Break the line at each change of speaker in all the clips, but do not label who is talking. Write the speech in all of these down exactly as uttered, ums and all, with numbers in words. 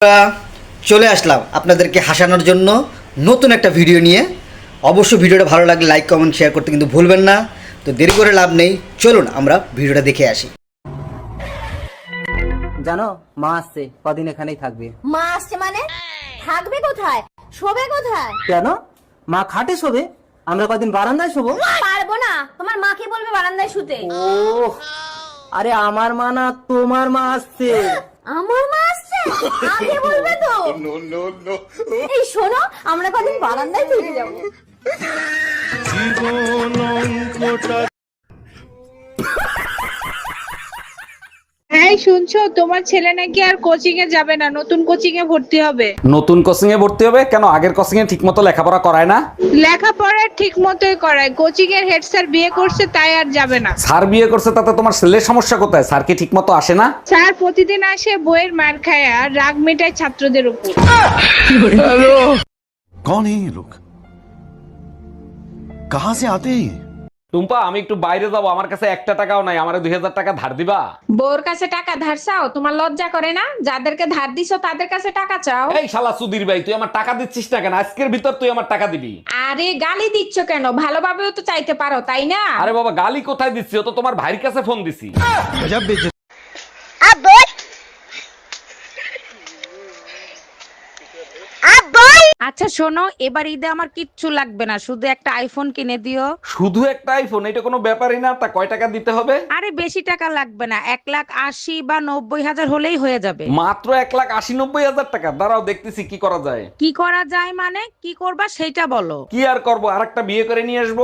আমরা চলে আসলাম আপনাদেরকে হাসানোর জন্য নতুন একটা ভিডিও নিয়ে। অবশ্যই ভিডিওটা ভালো লাগলে লাইক কমেন্ট শেয়ার করতে কিন্তু ভুলবেন না। তো দেরি করে লাভ নেই, চলুন আমরা ভিডিওটা দেখে আসি।
জানো মা আসছে, কদিন এখানেই থাকবে।
মা আসছে মানে থাকবে কোথায়, শোবে কোথায়?
কেন? মা খাটে শোবে, আমরা কদিন বারান্দায় শোবো।
পারবো না, তোমার মাকে বলবে বারান্দায় শুতে।
ও আরে আমার মা না, তোমার মা আসছে।
আমার মা আসছে, আগে বলবে তো। এই শোনো, আমরা কদিন বারান্দায় থেকে যাবো।
এই শুনছো, তোমার ছেলে নাকি আর কোচিং এ যাবে না, নতুন কোচিং এ ভর্তি হবে।
নতুন কোচিং এ ভর্তি হবে কেন? আগের কোচিং এ ঠিকমতো লেখাপড়া করায় না?
লেখাপড়া ঠিক মতোই করায়, কোচিং এর হেড স্যার বিয়ে করছে তাই আর যাবে না।
স্যার বিয়ে করছে তাতে তোমার ছেলের সমস্যা কোথায়? স্যার কি ঠিকমতো আসে না?
স্যার প্রতিদিন আসে বইয়ের মার খায় আর রাগ মেটায় ছাত্রদের উপর।
कौन है ये लोग? कहां से आते हैं ये?
টুম্পা, আমি একটু বাইরে যাবো, আমার কাছে একটা টাকাও নাই, আমারে দুই হাজার টাকা ধার দিবা?
বউর কাছে টাকা ধার চাও? তোমার লজ্জা করে না? যাদেরকে ধার দিছো তাদের কাছে টাকা চাও।
এই শালা সুধীর ভাই, তুই আমার টাকা দিচ্ছিস না কেন? আজকের ভিতর তুই আমার টাকা দিবি।
আরে গালি দিচ্ছ কেন? ভালোভাবেও তো চাইতে পারো, তাই না?
আরে বাবা, গালি কোথায় দিচ্ছি? ও তো তোমার ভাইয়ের কাছে ফোন দিছি।
আচ্ছা শোনো, এবার ঈদে আমার কিচ্ছু লাগবে না, শুধু একটা আইফোন কিনে দিও।
শুধু একটা আইফোন? এটা কোনো ব্যাপারই না। তা কয় টাকা দিতে হবে?
আরে বেশি টাকা লাগবে না, এক লাখ আশি বা নব্বই হাজার হলেই হয়ে যাবে।
মাত্র এক লাখ আশি নব্বই হাজার টাকা? দাঁড়াও দেখতেছি কি করা যায়।
কি করা যায় মানে? কি করবা সেটা বলো।
কি আর করবো, আর একটা বিয়ে করে নিয়ে আসবো।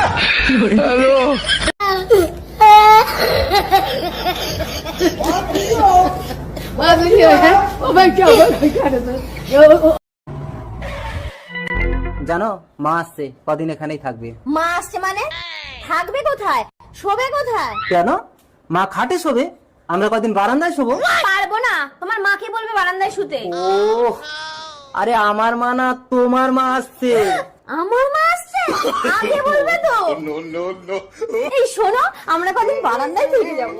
জানো মা আসছে, কদিন এখানেই থাকবে।
মা আসছে মানে থাকবে কোথায়, শোবে কোথায়?
কেন? মা খাটে শোবে, আমরা কদিন বারান্দায় শোবো।
পারবো না, তোমার মাকে বলবে বারান্দায় শুতে।
ও আরে আমার মা না, তোমার মা আসছে।
আমার মা আসছে, আগে বলবে তো। এই শোনো, আমরা কদিন বারান্দায় থেকে যাবো।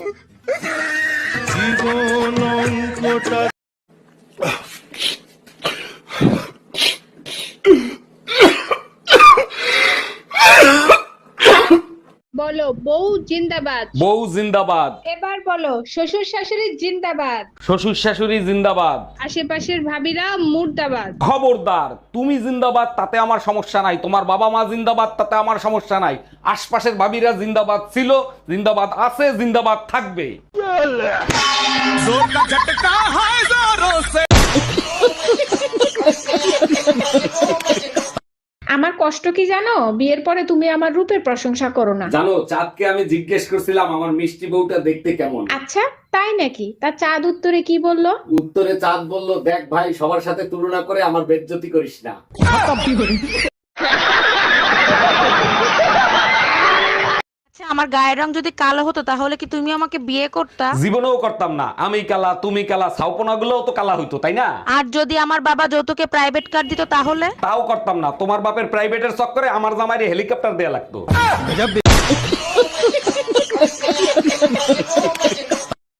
বলো বউ জিন্দাবাদ।
বউ জিন্দাবাদ।
এবার বলো শ্বশুর শাশুড়ি জিন্দাবাদ।
শ্বশুর শাশুড়ি জিন্দাবাদ।
আশেপাশের ভাবিরা মুর্দাবাদ।
খবরদার, তুমি জিন্দাবাদ তাতে আমার সমস্যা নাই, তোমার বাবা মা জিন্দাবাদ তাতে আমার সমস্যা নাই, আশপাশের ভাবিরা জিন্দাবাদ ছিল, জিন্দাবাদ আছে, জিন্দাবাদ থাকবে।
আমার কষ্ট কি জানো? বিয়ের পরে তুমি আমার রূপের প্রশংসা করো না।
জানো, চাঁদকে আমি জিজ্ঞেস করছিলাম আমার মিষ্টি বউটা দেখতে কেমন।
আচ্ছা তাই নাকি? তা চাঁদ উত্তরে কি বললো?
উত্তরে চাঁদ বলল, দেখ ভাই, সবার সাথে তুলনা করে আমার বেজ্জতি করিস না।
আচ্ছা, আমার গায়ের রং যদি কালো হতো তাহলে কি তুমি আমাকে বিয়ে করতা?
জীবনেও করতাম না। আমি কালা, তুমি কালা, ছাউপনা গুলোও তো কালা হইতো, তাই না?
আর যদি আমার বাবা যৌতুকে প্রাইভেট কার দিত তাহলে?
তাও করতাম না। তোমার বাপের প্রাইভেটের চক্করে আমার জামাইরে হেলিকপ্টার দেয়া লাগতো।